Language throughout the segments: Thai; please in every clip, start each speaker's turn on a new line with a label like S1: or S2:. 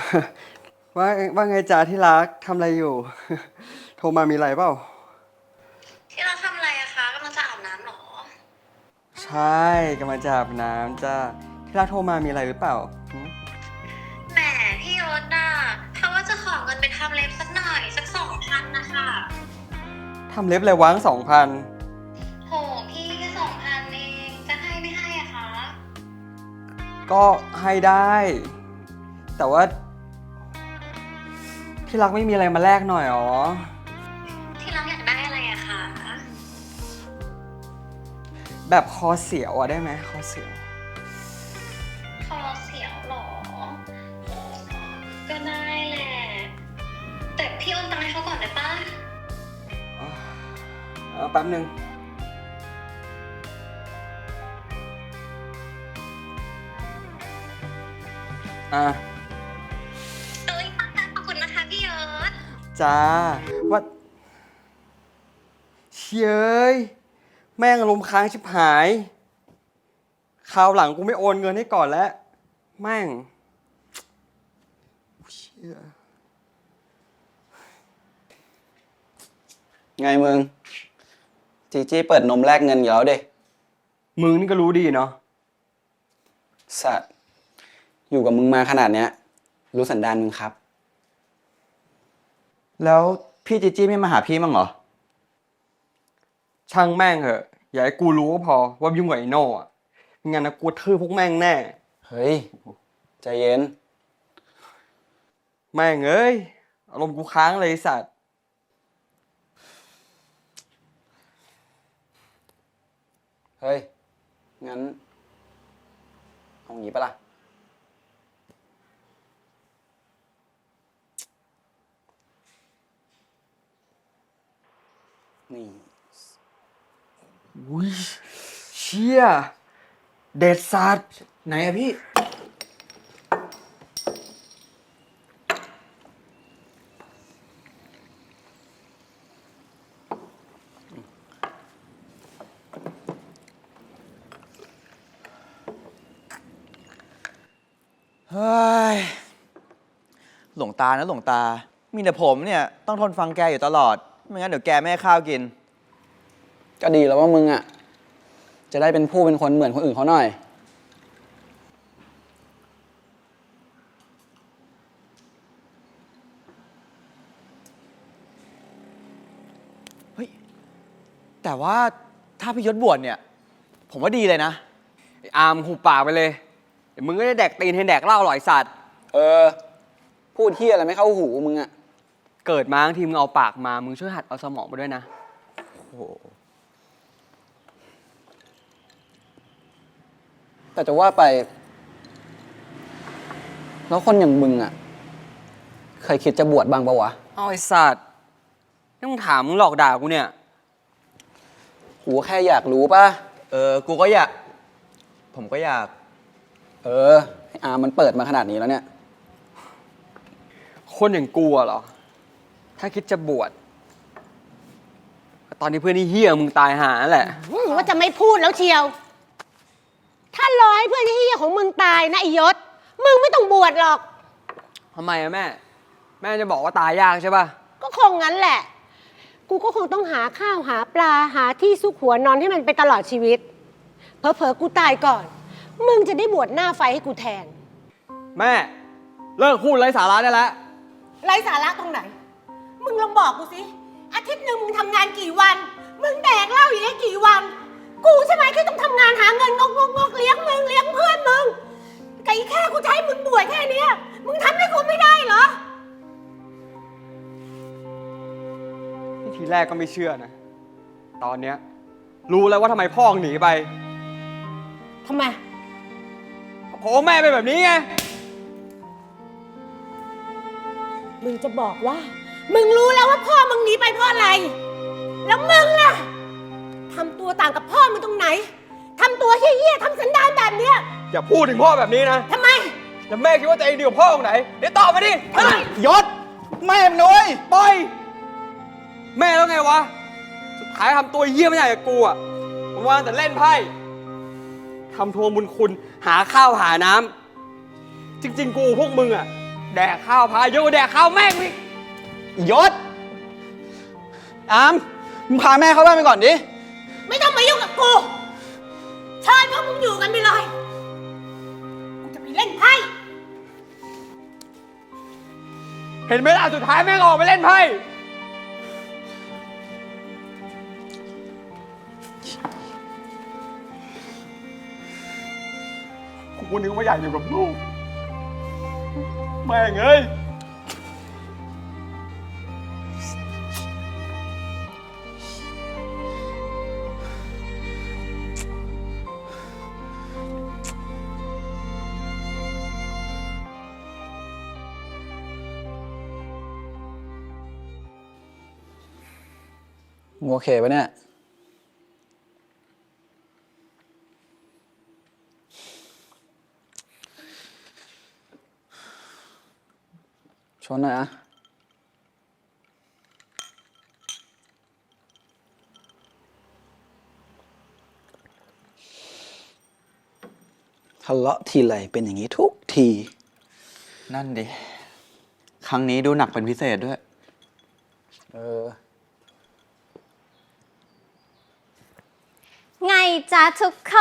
S1: ว่าว่าไงจ๊ะที่รักทำอะไรอยู่ โทรมามีอะไรเปล่า
S2: ที่เราทำอะไรอะคะกำลังจะอาบน้ำเหรอ
S1: ใช่กำลังจะอาบน้ำจ้าที่รักโทรมามีอะไรหรือเปล่า
S2: แหมพี่ยศน่ะเขาว่าจะขอเงินไปทำเล็บสักหน่อยสัก2,000นะคะ
S1: ทำเล็บอะไรวะ2,000
S2: โหพี่แค่2,000เองจะให้ไม่ให้อะคะ
S1: ก็ให้ได้ แต่ว่าที่รักไม่มีอะไรมาแลกหน่อยหรอ
S2: ที่เราอยากได้อะไรอะคะ
S1: แบบคอเสียวอะได้ไหมคอเสียว
S2: คอเสียวเหรอก็ได้แหละแต่พี่โอนตังค์ให้เขาก่อนได้ปะ
S1: แป๊บนึงอ่ะ
S2: เอ้ยขอบคุณนะคะพี่ยศ
S1: จ้าว่าเชยเอ้ยแม่งอารมณ์ค้างชิบหายคราวหลังกูไม่โอนเงินให้ก่อนแล้วแม่งเชี่ย
S3: ไงมึงจีจี้เปิดนมแลกเงินอยู่แล้วเด็
S1: มึงนี่ก็รู้ดีเนาะ
S3: สัตว์อยู่กับมึงมาขนาดเนี้ยรู้สันดานมึงครับแล้วพี่จีจี้ไม่มาหาพี่มั้งเหรอ
S1: ช่างแม่งเหอะอย่าให้กูรู้ก็พอว่ายุ่งกับไอ้โน่อะไม่งั้นนะกูทื่อพวกแม่งแน่
S3: เฮ้ยใจเย็น
S1: แม่งเอ้ยอารมณ์กูค้างเลยไอ้สัตว์
S3: เฮ้ยงั้นเอางี้ปะล่ะนี่
S1: อุ้ยเชี่ยเด็ดสัตว์
S3: ไหนอะพี่
S4: เฮ้ยหลวงตานะหลวงตา มีแต่ผมเนี่ยต้องทนฟังแกอยู่ตลอด ไม่งั้นเดี๋ยวแกไม่ให้ข้าวกิน
S3: ก็ดีแล้วว่ามึงอะจะได้เป็นผู้เป็นคนเหมือนคนอื่นเขาหน่อย
S4: เฮ้ย แต่ว่าถ้าพี่ยศบวชเนี่ย ผมว่าดีเลยนะ
S1: ไอ้อาร์มหูปากไปเลยเดี๋ยวมึงก็ได้แดกตีนให้แดกเหล้าอร่อยสัตว์
S3: พูดเที่ยอะไรไม่เข้าหูมึงอะ
S1: เกิดมาทั้งทีมึงเอาปากมามึงช่วยหัดเอาสมองมาด้วยนะ
S4: โอ้โห
S3: แต่จะว่าไปแล้วคนอย่างมึงอะเคยคิดจะบวชบ้างปะวะ
S1: เอาไอ้สัตว์นี่มึงถามมึงหลอกด่ากูเนี่ย
S3: กูแค่อยากรู้ป่ะ
S4: กูก็อยาก ผมก็อยาก
S3: ไอ้อามันเปิดมาขนาดนี้แล้วเนี่ย
S1: คนอย่างกูอะเหรอถ้าคิดจะบวชตอนนี้เพื่อนนี่เฮี้ยมึงตายหาแหละ
S5: ว่าจะไม่พูดแล้วเชียว ถ้ารอให้เพื่อนที่เฮียของมึงตายนะไอยศ มึงไม่ต้องบวชหรอก
S1: ทำไมอะแม่ แม่จะบอกว่าตายยากใช่ป่ะ
S5: ก็คงงั้นแหละ กูก็คงต้องหาข้าวหาปลาหาที่ซุกหัวนอนให้มันไปตลอดชีวิต เผลอๆกูตายก่อน มึงจะได้บวชหน้าไฟให้กูแทน
S1: แม่เลิกพูดไร้สาระได้แล้ว
S5: ไร้สาระตรงไหน มึงลองบอกกูสิ อาทิตย์หนึ่งมึงทำงานกี่วัน มึงแดกเหล้าอย่างนี้กี่วัน กูใช่ไหมที่ต้องทำงานหาเงินงกเลี้ยงมึงเลี้ยงเพื่อนมึงไก่แค่กูจะให้มึงบวชแค่เนี้ยมึงทำให้กูไม่ได้เหรอ
S1: ทีแรกก็ไม่เชื่อนะ ตอนเนี้ยรู้แล้วว่าทำไมพ่อหนีไป
S5: ทำไม
S1: เพราะแม่เป็นแบบนี้ไง
S5: มึงจะบอกว่า มึงรู้แล้วว่าพ่อมึงหนีไปเพราะอะไร แล้วมึงล่ะทำตัวต่างกับพ่อมึงตรงไหนทำตัวเหี้ยๆทำสันดานแบบเนี้ย
S1: อย่าพูดถึงพ่อแบบนี้นะ
S5: ทำไม
S1: แล้วแม่คิดว่าตัวเองดีกว่าพ่อตรงไหนเดี๋ยวตอบมาดิ
S4: ยศ แม่มึงนุ้ย
S1: ปล่อยแม่แล้วไงวะสุดท้ายทำตัวเหี้ยไม่ใหญ่กับกูอ่ะผมว่าแต่เล่นไพ่ทำทวงบุญคุณหาข้าวหาน้ำจริงๆกูพวกมึงอ่ะแดกข้าวพายุแดกข้าวแม่งอีก
S3: ยศ อาม มึงพาแม่เข้าบ้านไปก่อนดิ
S5: ไม่ต้องมายุ่งกับกูเชิญพวกมึงอยู่กันไปเลยกูจะไปเล่นไพ่
S1: เห็นไหมล่ะสุดท้ายแม่งออกไปเล่นไพ่กูนึกว่าอยากอยู่กับลูก แม่งเอ้ย
S3: มึงโอเคปะเนี่ย ชนหน่อยนะทะเลาะทีไรเป็นอย่างนี้ทุกที
S4: นั่นดิ ครั้งนี้ดูหนักเป็นพิเศษด้วย
S3: เออ
S6: ไงจ๊ะทุกคน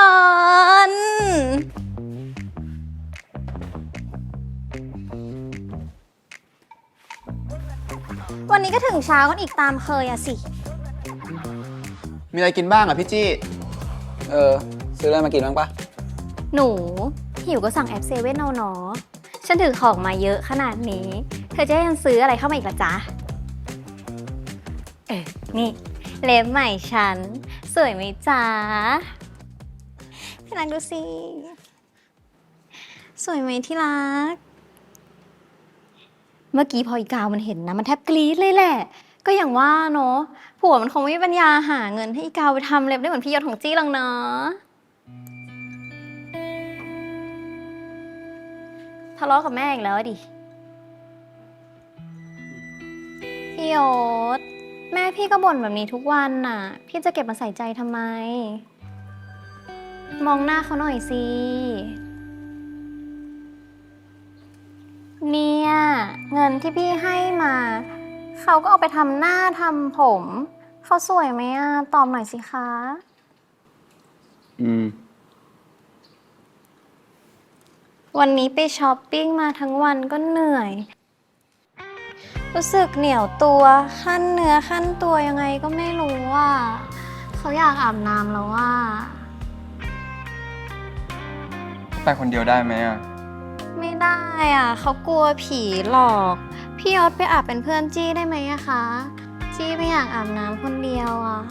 S6: วันนี้ก็ถึงเช้ากันอีกตามเคยอะสิ
S4: มีอะไรกินบ้างอ่ะพี่จี้
S3: เออ ซื้ออะไรมากินบ้างปะ
S6: หนูหิวก็สั่งแอปเซเว่นเอาเนาะฉันถือของมาเยอะขนาดนี้ เธอจะให้ฉันซื้ออะไรเข้ามาอีกละจ๊ะ นี่เล็บใหม่ฉัน สวยไหมจ๊ะที่รักดูสิ สวยไหมที่รัก เมื่อกี้พออีกาวมันเห็นนะ มันแทบกรี๊ดเลยแหละ ก็อย่างว่าเนาะผัวมันคงไม่มีปัญญาหาเงินให้อีกาวไปทำเล็บได้เหมือนพี่ยศของจี้หรอกเนาะทะเลาะกับแม่อีกแล้วอะดิ พี่ยศแม่พี่ก็บ่นแบบนี้ทุกวันน่ะ พี่จะเก็บมาใส่ใจทำไม มองหน้าเขาหน่อยสิ เนี่ยเงินที่พี่ให้มา เขาก็เอาไปทำหน้าทำผม เขาสวยไหมอ่ะ ตอบหน่อยสิคะ
S3: อืม
S6: วันนี้ไปช้อปปิ้งมาทั้งวันก็เหนื่อย รู้สึกเหนียวตัวขั้นเนื้อขั้นตัวยังไงก็ไม่รู้ว่าเขาอยากอาบน้ำแล้วว่า
S1: ไปคนเดียวได้ไหมอ่ะ
S6: ไม่ได้อ่ะเขากลัวผีหลอก พี่ยศไปอาบเป็นเพื่อนจี้ได้ไหมอะคะ จี้ไม่อยากอาบน้ำคนเดียวอ่ะ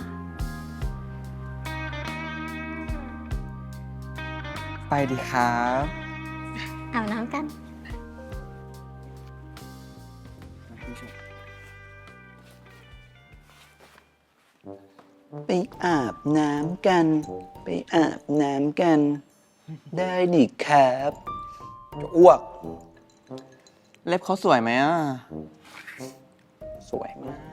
S1: ไปดีครับ
S6: อาบน้ำกัน
S3: ไปอาบน้ำกัน ไปอาบน้ำกัน ได้ดิครับจะอ้วก
S4: เล็บเขาสวยไหมอ่ะ
S3: สวยมาก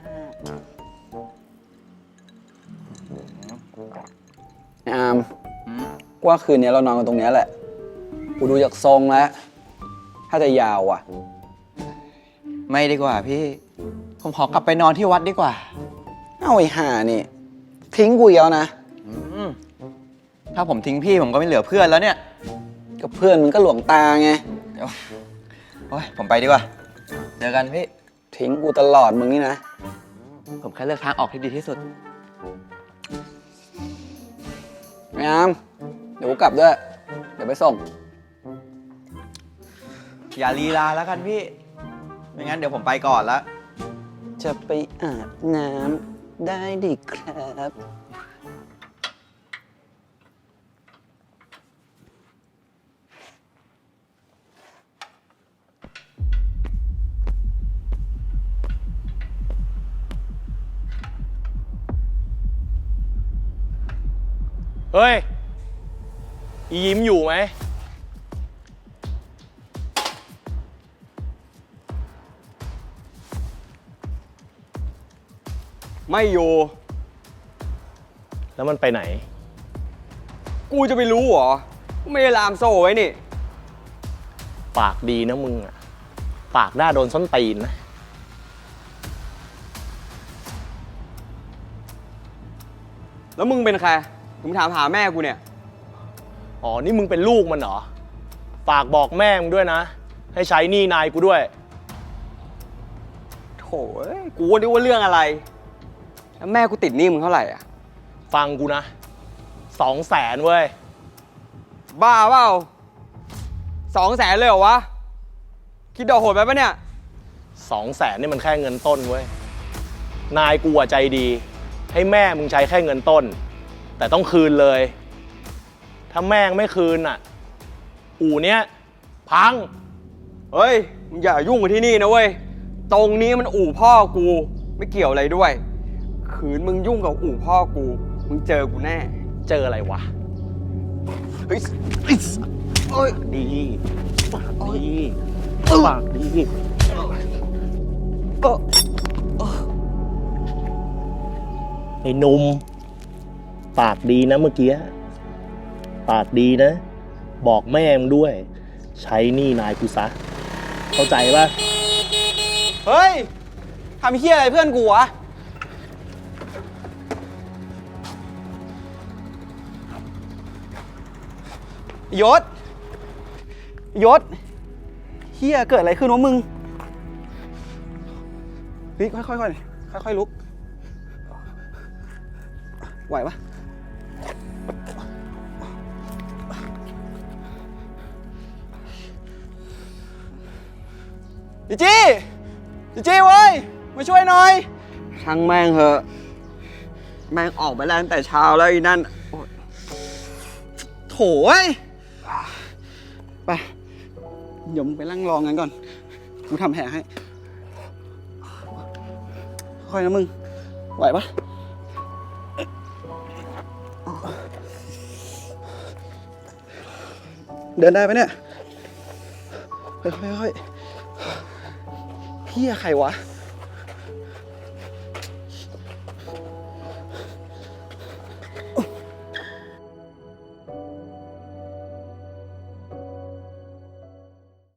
S3: ไอ้อามว่าคืนนี้เรานอนกันตรงเนี้ยแหละ กูดูจากทรงแล้ว ถ้าจะยาวอ่ะ
S4: ไม่ดีกว่าพี่ ผมขอกลับไปนอนที่วัดดีกว่า
S3: เอาไอ้ห่านี่ ทิ้งกูอีกแล้วนะ
S4: ถ้าผมทิ้งพี่ผมก็ไม่เหลือเพื่อนแล้วเนี่ย
S3: กับเพื่อนมึงก็หลวงตาไง
S4: เดี๋ยวโอ้ยผมไปดีกว่า เจอกันพี่
S3: ทิ้งกูตลอดมึงนี่นะ
S4: ผมแค่เลือกทางออกที่ดีที่สุด
S3: ไอ้อาม เดี๋ยวกูกลับด้วย เดี๋ยวไปส่ง
S4: อย่าลีลาแล้วกันพี่ ไม่งั้นเดี๋ยวผมไปก่อนละ
S3: จะไปอาบน้ำได้ดิครับ
S7: เฮ้ย อียิ้มอยู่ไหม
S1: ไม่อยู่
S7: แล้วมันไปไหน
S1: กูจะไปรู้เหรอ ไม่ได้ลามโซ่ไว้นี่
S7: ปากดีนะมึงอ่ะปากหน้าโดนส้นตีนนะ
S1: แล้วมึงเป็นใครถึงถามหาแม่กูเนี่ย
S7: อ๋อ นี่มึงเป็นลูกมันเหรอ ฝากบอกแม่มึงด้วยนะ ให้ใช้หนี้นายกูด้วย
S1: โถ่เอ้ยกูก็นึกว่าเรื่องอะไร แล้วแม่กูติดหนี้มึงเท่าไหร่อ่ะ
S7: ฟังกูนะ200,000เว้ย
S1: บ้าเปล่า200,000เลยเหรอวะ คิดดอกโหดไปปะเนี่ย
S7: 200,000นี่มันแค่เงินต้นเว้ย นายกูอะใจดี ให้แม่มึงใช้แค่เงินต้น แต่ต้องคืนเลย ถ้าแม่งไม่คืนอ่ะ อู่เนี้ยพัง
S1: เฮ้ยมึงอย่ายุ่งกับที่นี่นะเว้ย ตรงนี้มันอู่พ่อกู ไม่เกี่ยวอะไรด้วย ขืนมึงยุ่งกับอู่พ่อกู มึงเจอกูแน่
S7: เจออะไรวะ
S1: เฮ้ยเฮ้ยโอ้ย
S7: ดีปากดีปากดี
S1: เออ
S7: ไอ้หนุ่มปากดีนะเมื่อกี้ ปากดีนะ บอกแม่มึงด้วย ใช้หนี้นายกูซะ เข้าใจป่ะ
S1: เฮ้ยทำเฮี้ยอะไรเพื่อนกูวะ ยศ ยศเฮี้ยเกิดอะไรขึ้นวะมึง เฮ้ยค่อยๆลุก ไหวปะจีจี้เว้ย มาช่วยหน่อย ช่างแม่งเหอะ แม่งออกไปแล้วตั้งแต่เช้าแล้วอีนั่นโอ๊ยโถ่เว้ย ไป เดี๋ยวมึงไปนั่งรองั้นก่อน กูทำแผลให้ ค่อยนะมึง ไหวปะเดินได้ปะเนี่ย ค่อยๆเฮียใครวะ